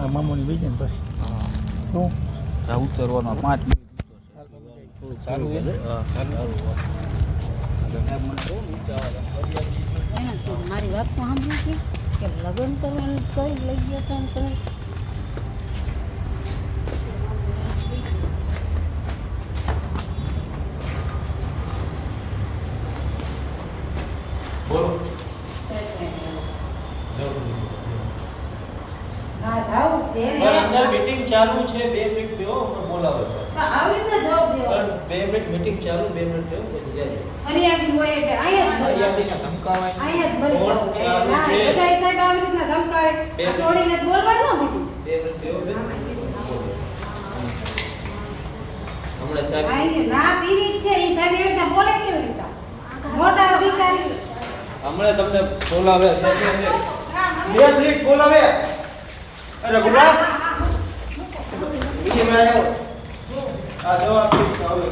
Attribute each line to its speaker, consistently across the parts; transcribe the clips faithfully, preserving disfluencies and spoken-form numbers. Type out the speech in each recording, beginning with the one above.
Speaker 1: મારા મામોની વેચે ને પછી શું
Speaker 2: આ ઉતરવાનો પાંચ મિનિટ
Speaker 1: થોડું સારું છે
Speaker 3: મારી વાત તો સાંભળી છે કે લગ્ન કરવાનું કઈ લઈ ગયા હતા ને કઈ હા જાવું છે રે
Speaker 4: અંદર મીટિંગ ચાલુ છે બે મિનિટ બેહો હું બોલાવો છું
Speaker 3: આવી ને જવાબ દેવો
Speaker 4: બે મિનિટ મીટિંગ ચાલુ બે મિનિટ બેહો પછી જાય
Speaker 3: ફરિયાદી હોય એટલે અહીંયા જ
Speaker 1: ફરિયાદીને ધમકાવાય
Speaker 3: અહીંયા જ બોલતો
Speaker 4: કોણ ચાલુ
Speaker 3: ના
Speaker 4: છે?
Speaker 3: બધા સાહેબ આવી રીતના ધમકાવે
Speaker 4: બે
Speaker 3: આ છોડીને જ બોલવાનું ન દીધું
Speaker 4: બે મિનિટ બેહો બે હમણાં સાહેબ
Speaker 3: આઈને ના પીવી જ છે ઈ સાહેબ એવી રીતે બોલે કેવી રીતે મોટા અધિકારી
Speaker 4: હમણાં તમને બોલાવે છે બે મિનિટ બોલાવે અરે ગુડા બીજી માં આવો આ જવાબ હવે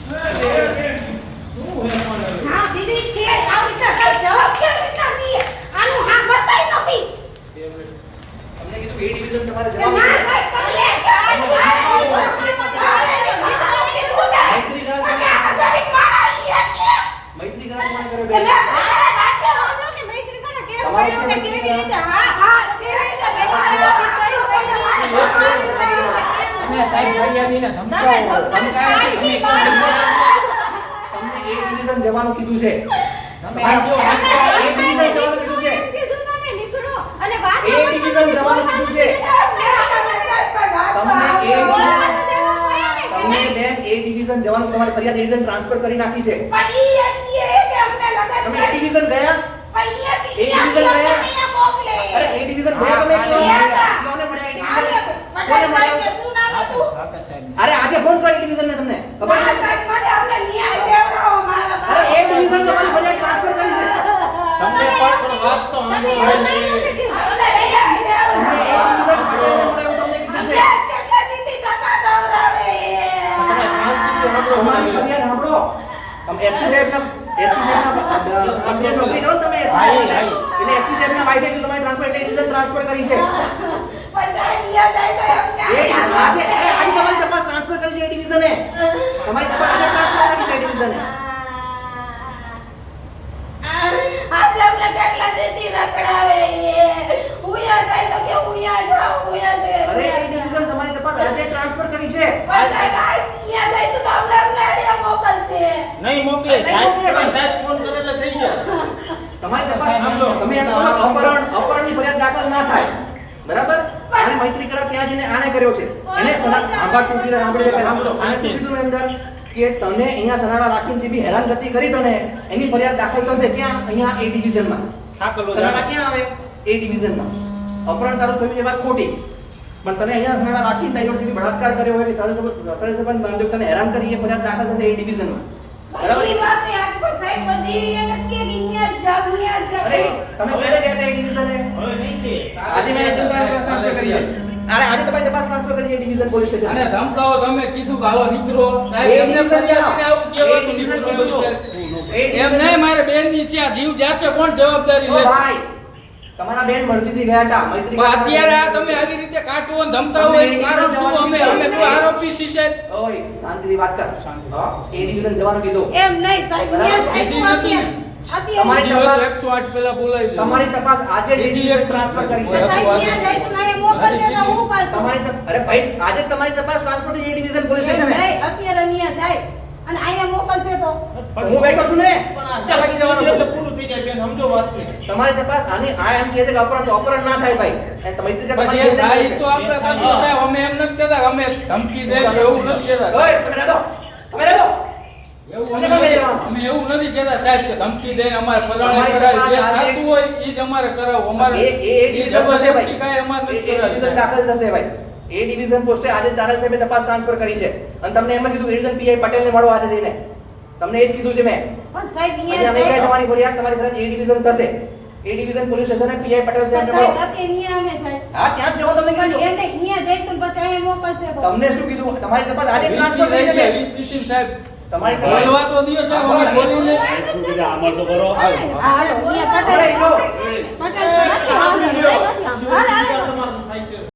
Speaker 3: હા પીવી જ છે આવી રીતે કઈ જવાબ કેવી રીતે દીએ આનું હા બતાઈ ન પી
Speaker 4: બે મિનિટ
Speaker 5: અમને કીધું એ ડિવિઝન તમારે
Speaker 3: કે
Speaker 5: જવાબ
Speaker 3: ના સાહેબ તમે લે આનું
Speaker 5: મૈત્રી કરાર કોણે
Speaker 3: આધારિક માણા ઈ એટલે
Speaker 5: મૈત્રી કરાર કોણે કર્યો
Speaker 3: કે
Speaker 5: બેન?
Speaker 3: મેં તારા વાક્ય હમણો કે મૈત્રી કોને કેમ બોલ્યો કે કેવી રીતે હા હા કેવી રીતે મૈત્રી કર્યું એટલે મારે ભગવાન કર્યું
Speaker 1: તમે સાહેબ ફરિયાદીને ધમકાવો
Speaker 5: ધમકાવે છે. તમને એ ડિવિઝન જવાનું કીધું છે.
Speaker 1: તમે
Speaker 5: આ
Speaker 1: આવજો.
Speaker 5: એ ડિવિઝન જવાનું કીધું છે.
Speaker 3: કીધું તમે નીકળો અને વાત
Speaker 5: એ ડિવિઝન જવાનું કીધું છે. તમને એ તમને બેન એ ડિવિઝન જવાનું તમારી ફરિયાદ એ ડિવિઝન ટ્રાન્સફર કરી નાખી છે. તમે એ ડિવિઝન ગયા? એ ડિવિઝન ગયા? અરે એ ડિવિઝન ગયા તમે
Speaker 1: હા,
Speaker 5: ક્યાં?
Speaker 3: ગયા.
Speaker 5: કોને મળ્યા એ ડિવિઝન? કોને મળ્યા?
Speaker 1: કાકા સાહેબ
Speaker 5: અરે આજે ફોન કરો એ ડિવિઝન ને તમને ખબર છે? અરે એ ડિવિઝન તમારી ફરિયાદ ટ્રાન્સફર કરી છે.
Speaker 4: તમને પણ પણ વાત તો આંધો હોય ને
Speaker 5: તમને એ ડિવિઝન ફરિયાદ મળે એવું તમને કીધું છે. તમારી ફરિયાદ સાંભળો. તમે એસપી સાહેબના એસપી સાહેબના અંદર નોકરી કરો ને તમે એસપી
Speaker 1: હાઈ,
Speaker 5: સાહેબ.
Speaker 1: હાઈ.
Speaker 5: એટલે એસપી સાહેબના વાઇફે કીધું તમારી ટ્રાન્સફર એટલે ડિવિઝન ટ્રાન્સફર કરી છે. એ આજે અરે આજે તમારી તપાસ ટ્રાન્સફર કરી છે એ ડિવિઝને. તમારી તપાસ આજે ટ્રાન્સફર કરી છે એ ડિવિઝને. અરે એ ડિવિઝન તમારી તપાસ આજે ટ્રાન્સફર કરી છે.
Speaker 4: નહીં મોકલે સાહેબ પણ સાહેબ ફોન કરે એટલે થઈ જાય
Speaker 5: તમારી તપાસ
Speaker 4: સાંભળો.
Speaker 5: તમે એમ કહો અપહરણ અપહરણની ફરિયાદ દાખલ ના થાય. બરાબર? આને મૈત્રી કરાર ત્યાં જઈને આને કર્યો છે. એને સના આભાર ટૂંકીને સાંભળી લે સાંભળો. આને શું કીધું અંદર કે તને અહીંયા સનાડા રાખીને જે બી હેરાનગતિ કરી તને એની ફરિયાદ દાખલ થશે ક્યાં? અહીંયા એ ડિવિઝનમાં.
Speaker 4: ઠાકલો
Speaker 5: સનાડા ક્યાં આવે? એ ડિવિઝનમાં. અપહરણ તારું થયું એ વાત ખોટી. પણ તને અહીંયા સનાડા રાખીને તારી જોડે જે બી બળાત્કાર કર્યો હોય કે સારી સંબંધ સારી સંબંધ બાંધ્યો તને હેરાન કરી એ ફરિયાદ દાખલ થશે એ ડિવિઝનમાં. બરાબર? અરે તમે ક્યારે ગયા હતા એ ડિવિઝને?
Speaker 4: હવે નહીં કે
Speaker 5: આજે મેં એકદમ તપાસ ટ્રાન્સફર કરી છે. અરે આજે તમારી તપાસ ટ્રાન્સફર કરી છે ડિવિઝન પોલીસ સ્ટેશન.
Speaker 2: અને ધમકાવો તમે કીધું કે હાલો નીકળો
Speaker 5: એ
Speaker 2: સાહેબ એમને
Speaker 5: ડિવિઝન
Speaker 2: ફરિયાદીને આવું
Speaker 5: એ
Speaker 2: કહેવાનું
Speaker 5: ડિવિઝન
Speaker 2: નીકળો
Speaker 5: કીધું.
Speaker 2: છે.
Speaker 5: એ
Speaker 2: એમ
Speaker 5: ડિવિઝન-
Speaker 2: નહીં મારે બેન ની છે આ જીવ જાશે કોણ જવાબદારી
Speaker 5: ઓ
Speaker 2: લે
Speaker 5: ભાઈ તમારા બેન મરજીથી ગયા હતા મૈત્રી
Speaker 2: પણ અત્યારે આ તમે આવી રીતે કાટો અને ધમકાવો
Speaker 5: તમને
Speaker 2: એનું
Speaker 5: એ
Speaker 2: કારણ
Speaker 5: ડિવિઝન
Speaker 2: શું અમે અમે કોઈ આરોપી છીએ સાહેબ
Speaker 5: ઓય શાંતિથી વાત કર. હા એ ડિવિઝન જવાનું કીધું.
Speaker 3: એમ નહીં સાહેબ
Speaker 2: બીજી નથી.
Speaker 5: તમારી
Speaker 2: બીજી
Speaker 5: તપાસ-
Speaker 2: વાત એકસો આઠ પેલા બોલાવી દે
Speaker 5: તમારી તપાસ આજે જ
Speaker 2: બીજી એક
Speaker 5: ટ્રાન્સફર કરી છે.
Speaker 2: સાહેબ,
Speaker 5: તમારી તપ- અરે ભાઈ આજે જ તમારી તપાસ ટ્રાન્સફર થઈ છે એ ડિવિઝન પોલીસ સ્ટેશન
Speaker 3: અત્યારે અહીંયા જાય અને અહીંયા મોકલશે તો
Speaker 5: હું બેઠો છું ને
Speaker 4: પણ આ
Speaker 5: ક્યાં લાગી જવાનું
Speaker 4: એટલે
Speaker 5: છે?
Speaker 4: પૂરું થઈ જાય બેન સમજો વાત ને
Speaker 5: તમારી તપાસ આની આ એમ કહે છે કે અપહરણ તો અપહરણ ના થાય ભાઈ અને મૈત્રી કરાર
Speaker 2: પછી એ થાય તો આપણે કાઢો સાહેબ અમે એમ નથી કહેતા કે અમે ધમકી દે કે એવું નથી કહેતા
Speaker 5: ઓય તમે રહેજો તમે રહેજો
Speaker 2: એવું
Speaker 5: મને
Speaker 2: અમે
Speaker 5: કોણ કહી દેવાનું?
Speaker 2: અમે એવું નથી કહેતા સાહેબ કે ધમકી દઈને અમારે પરાણે
Speaker 5: તમારી
Speaker 2: કરાવી જે
Speaker 5: તપાસ આજે-
Speaker 2: થતું હોય એ જ અમારે કરાવવું અમારે
Speaker 5: એ એ
Speaker 2: એ
Speaker 5: ડિવિઝન થશે
Speaker 2: જબરદસ્તી
Speaker 5: ભાઈ
Speaker 2: કાંઈ અમારે
Speaker 5: એ
Speaker 2: નથી
Speaker 5: એ
Speaker 2: કરાવી
Speaker 5: ડિવિઝન
Speaker 2: સાહેબ.
Speaker 5: દાખલ થશે ભાઈ એ ડિવિઝન પોસ્ટે આજે ચારેલ સાહેબે તપાસ ટ્રાન્સફર કરી છે અને તમને એમ જ કીધું ડિવિઝન પીઆઈ પટેલને મળો આજે જઈને તમને એ જ કીધું છે મેં
Speaker 3: પણ સાહેબ
Speaker 5: આજે
Speaker 3: અહીંયા
Speaker 5: અમે કઈ
Speaker 3: જાય
Speaker 5: તમારી ફરિયાદ તમારી ફરિયાદ એ ડિવિઝન થશે A division police station PI Patel
Speaker 3: પણ
Speaker 5: સાહેબને
Speaker 3: સાહેબ
Speaker 5: મળો
Speaker 3: અત્યારે અહીંયા અમે જાય
Speaker 5: હા ત્યાં જ જવાનું તમને
Speaker 3: પણ
Speaker 5: કીધું
Speaker 3: એને અહીંયા જઈશું ને પછી અહીંયા મોકલશે તો
Speaker 5: તમને શું કીધું તમારી તપાસ આજે
Speaker 2: વીસ
Speaker 5: ટ્રાન્સફર
Speaker 2: થી
Speaker 5: કરી છે
Speaker 2: લઈ ગયા,
Speaker 5: મેં.
Speaker 2: વીસ થી સાહેબ
Speaker 5: તમારી તપાસ
Speaker 2: બોલવા તો દિયો સાહેબ અમે બોલીને
Speaker 3: આમાં તો કરો હાલો અહીંયા પટેલ
Speaker 5: અરે, લો.
Speaker 3: પટેલ નથી વાંધો નહીં, નથી. હાલ હાલ